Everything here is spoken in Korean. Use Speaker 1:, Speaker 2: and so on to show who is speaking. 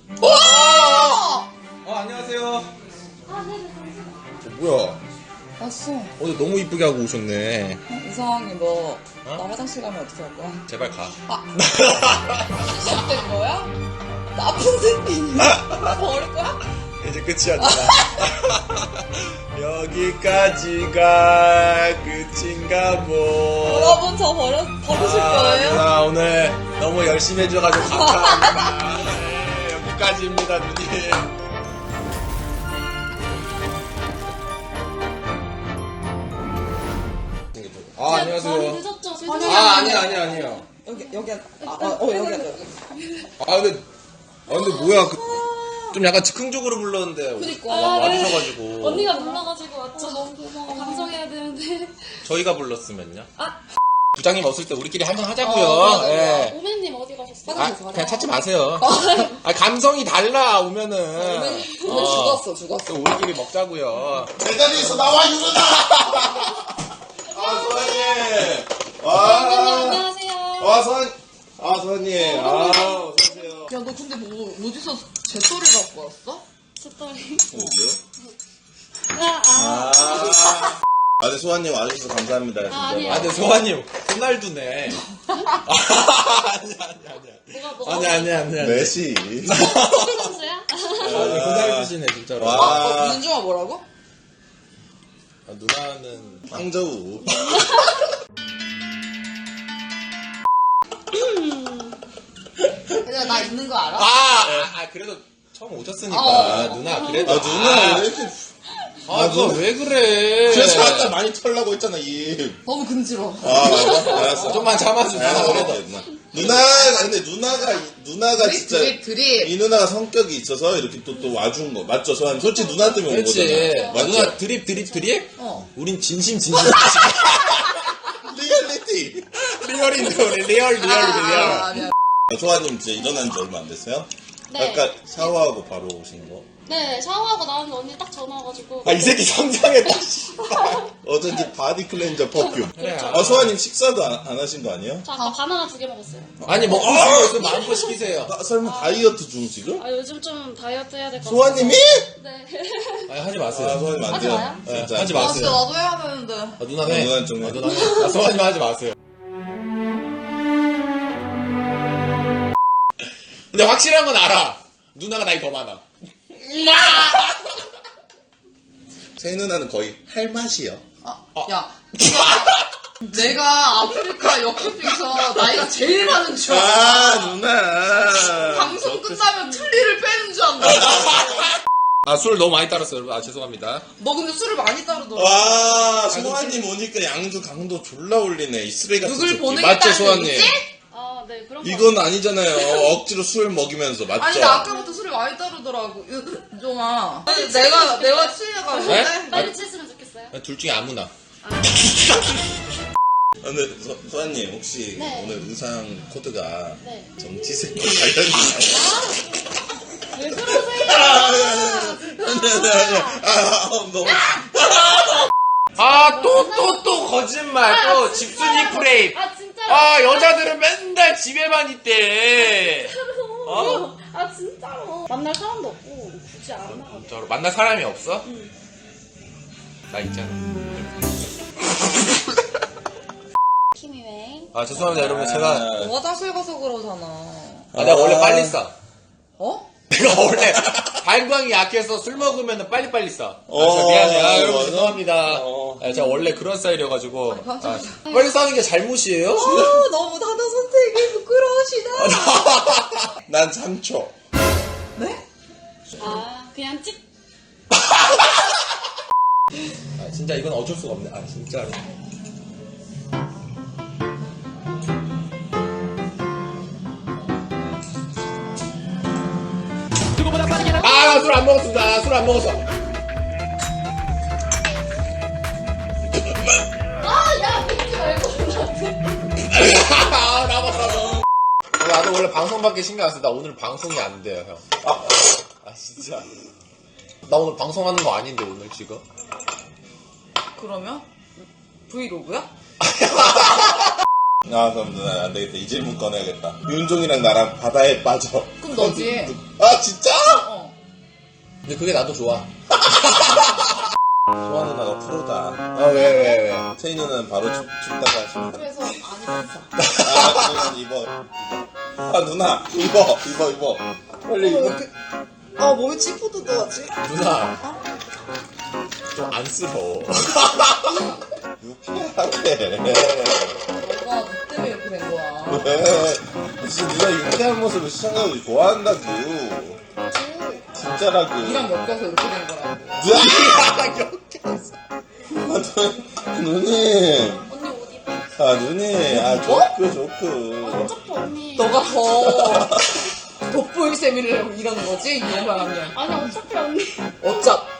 Speaker 1: 안녕하세요.
Speaker 2: 아, 네네,
Speaker 1: 뭐야?
Speaker 3: 왔어.
Speaker 1: 오늘 너무 이쁘게 하고 오셨네.
Speaker 3: 이상하게 너, 나 화장실 가면 어떻게 할 거야?
Speaker 1: 제발 가.
Speaker 3: 시작된 거야? 나쁜 새끼. 버릴 거야?
Speaker 1: 이제 끝이야, 누나. 여기까지가 끝인가 뭐.
Speaker 3: 여러분, 저 버리실 거예요?
Speaker 1: 누나 오늘 너무 열심히 해줘가지고 감사합니다. 네, 여기까지입니다, 누님. 안녕하세요.
Speaker 2: 많이 늦었죠?
Speaker 1: 아니에요.
Speaker 3: 여기 앉아. 여기 앉아.
Speaker 1: 근데 뭐야. 좀 약간 즉흥적으로 불렀는데.
Speaker 3: 그니까.
Speaker 1: 와주셔가지고.
Speaker 2: 언니가 불러가지고 왔죠. 너무 고마워. 방송해야 되는데.
Speaker 1: 저희가 불렀으면요?
Speaker 2: 아.
Speaker 1: 부장님 없을 때 우리끼리 한잔 하자고요. 예.
Speaker 2: 오메님 어디 가셨어요?
Speaker 1: 그냥 찾지 마세요. 감성이 달라, 오면은.
Speaker 3: 죽었어.
Speaker 1: 또 우리끼리 먹자고요.
Speaker 4: 제자리에서 나와, 유르나! 소환님!
Speaker 2: 오메님 안녕하세요.
Speaker 4: 소환님. 어서오세요.
Speaker 3: 야, 너 근데 어디서 제소리 갖고 왔어?
Speaker 2: 스토리.
Speaker 4: 뭐죠? 네, 소환님 와주셔서 감사합니다. 진짜.
Speaker 2: 아니에요.
Speaker 1: 근데 소환님, 호날두네. 아니야. 아니야.
Speaker 4: 메시.
Speaker 2: 선수야?
Speaker 1: 호날두시네, 진짜로.
Speaker 4: 와.
Speaker 3: 윤주아 뭐라고?
Speaker 1: 누나는.
Speaker 4: 황저우.
Speaker 3: 얘들아, 나 있는 거 알아?
Speaker 1: 그래도 처음 오셨으니까. 누나, 그래도.
Speaker 4: 누나 왜 이렇게.
Speaker 1: 누나 왜 그래?
Speaker 4: 그래서 아까 많이 털라고 했잖아, 입.
Speaker 3: 너무 금지러워.
Speaker 4: 알았어.
Speaker 1: 좀만 참아줘, 누나, 그래도.
Speaker 4: 근데 누나가 진짜.
Speaker 3: 드립.
Speaker 4: 이 누나가 성격이 있어서 이렇게 또 와준 거. 맞죠, 소환? 솔직히 누나 때문에 온
Speaker 1: 그렇지.
Speaker 4: 거잖아. 맞죠?
Speaker 1: 누나 드립? 우린 진심.
Speaker 4: 리얼리티.
Speaker 1: 리얼인데, 우리 리얼.
Speaker 3: 아니야.
Speaker 4: 소환님 이제 일어난 지 얼마 안 됐어요?
Speaker 2: 네.
Speaker 4: 아까 샤워하고 바로 오신 거?
Speaker 2: 네, 샤워하고 나왔는데 언니 딱 전화 와가지고.
Speaker 1: 이 새끼 성장했다,
Speaker 4: 어쩐지 바디 클렌저 퍼퓸.
Speaker 1: 그래.
Speaker 4: 소환님 식사도 안 하신 거 아니에요?
Speaker 2: 저 아까 바나나 2개 먹었어요.
Speaker 1: 아니, 먹고 싶은 거 있으면 마음껏 시키세요.
Speaker 4: 설마 다이어트 중 지금?
Speaker 2: 요즘 좀 다이어트 해야 될 것 같아요.
Speaker 4: 소환님이?
Speaker 2: 네.
Speaker 1: 하지 마세요.
Speaker 4: 소환님 안
Speaker 2: 하지
Speaker 4: 돼요.
Speaker 2: 마요?
Speaker 4: 진짜.
Speaker 1: 하지
Speaker 3: 아,
Speaker 1: 마세요.
Speaker 3: 진짜 나도 해야 되는데.
Speaker 1: 누나 해.
Speaker 4: 누나는 좀 해.
Speaker 1: 누나 해. 소환님 하지 마세요. 근데 확실한 건 알아. 누나가 나이 더 많아.
Speaker 4: 제 누나는 거의 할 맛이요.
Speaker 3: 야. 내가 아프리카 역캠핑에서 나이가 제일 많은 줄 알아.
Speaker 4: 누나.
Speaker 3: 방송 끝나면 틀니를 빼는 줄 안다.
Speaker 1: 술 너무 많이 따랐어요, 여러분. 죄송합니다.
Speaker 3: 너 근데 술을 많이 따르더라.
Speaker 4: 와, 소환님 오니까 양주 강도 졸라 올리네. 이 쓰레기 같은
Speaker 3: 누굴
Speaker 4: 새끼.
Speaker 3: 보내겠다는
Speaker 4: 맞죠, 소환님?
Speaker 3: 얘기지?
Speaker 2: 네, 그런 거.
Speaker 4: 이건 아니잖아요. 억지로 술 먹이면서 맞죠?
Speaker 3: 아니, 나 아까부터 술을 많이 따르더라고. 윤종아. 아니, 내가 취해가지고.
Speaker 1: 네?
Speaker 2: 빨리 찢으면 좋겠어요.
Speaker 1: 둘 중에 아무나.
Speaker 4: 근데 소환님 혹시
Speaker 2: 네.
Speaker 4: 오늘 의상 코드가
Speaker 2: 네.
Speaker 4: 정치색과 관련이
Speaker 2: 왜 그러세요?
Speaker 4: 너무
Speaker 1: 또 거짓말. 또 집순이 프레임.
Speaker 2: 진짜요?
Speaker 1: 여자들은 맨날 집에만 있대.
Speaker 2: 진짜로. 만날 사람도 없고, 굳이 안 나가.
Speaker 1: 진짜로. 만날 사람이 없어? 나 있잖아.
Speaker 2: 키미웨이.
Speaker 1: 죄송합니다, 여러분. 제가.
Speaker 3: 너가 화장실 가서 그러잖아.
Speaker 1: 내가 원래 빨리 싸.
Speaker 3: 어?
Speaker 1: 내가 원래 발광이 약해서 술 먹으면 빨리빨리 싸.
Speaker 4: 어,
Speaker 1: 미안해요. 여러분
Speaker 4: 맞아.
Speaker 1: 죄송합니다. 제가 원래 그런 스타일이어가지고. 빨리 싸는 게 잘못이에요?
Speaker 3: 너무 단어 선택이 부끄러우시다.
Speaker 4: 난 3초.
Speaker 3: 네?
Speaker 2: 그냥 찍.
Speaker 1: 진짜 이건 어쩔 수가 없네. 진짜로. 나 술 안 먹었습니다. 술 안 먹었어.
Speaker 2: 야, 믿지 말고.
Speaker 1: 나봤어. 나도 원래 방송밖에 신경 안 써. 나 오늘 방송이 안 돼요, 형. 진짜. 나 오늘 방송하는 거 아닌데, 오늘 지금.
Speaker 3: 그러면? 브이로그야?
Speaker 4: 아 그럼 누나 안 되겠다. 이 질문 꺼내야겠다. 윤종이랑 나랑 바다에 빠져.
Speaker 3: 그럼 너지.
Speaker 4: 아 진짜?
Speaker 3: 어.
Speaker 1: 근데 그게 나도 좋아.
Speaker 4: 소아 누나가 프로다.
Speaker 1: 아, 왜?
Speaker 4: 세희 누나는 바로 춥다고 하십니다.
Speaker 2: 그래서 안 입었어.
Speaker 4: 아 누나 입어. 아 누나 입어. 빨리 입어.
Speaker 3: 아 몸이 찌푸드드하지?
Speaker 1: 누나. 좀 안쓰러워.
Speaker 4: 유쾌하게.
Speaker 3: 너가 너 때문에 이렇게 된 거야.
Speaker 4: 왜? 진짜 누나 유쾌한 모습을 시청자들이 좋아한다고. 진짜라고.
Speaker 3: 이랑 엮여서 이렇게 된 거라고.
Speaker 4: 누님.
Speaker 2: 언니 옷 입어.
Speaker 4: 아 누님. 아 조크.
Speaker 2: 어차피 언니.
Speaker 3: 너가 더 돋보일 셈이를 이러는 거지? 이 사람이.
Speaker 2: 아니 어차피 언니.
Speaker 3: 어차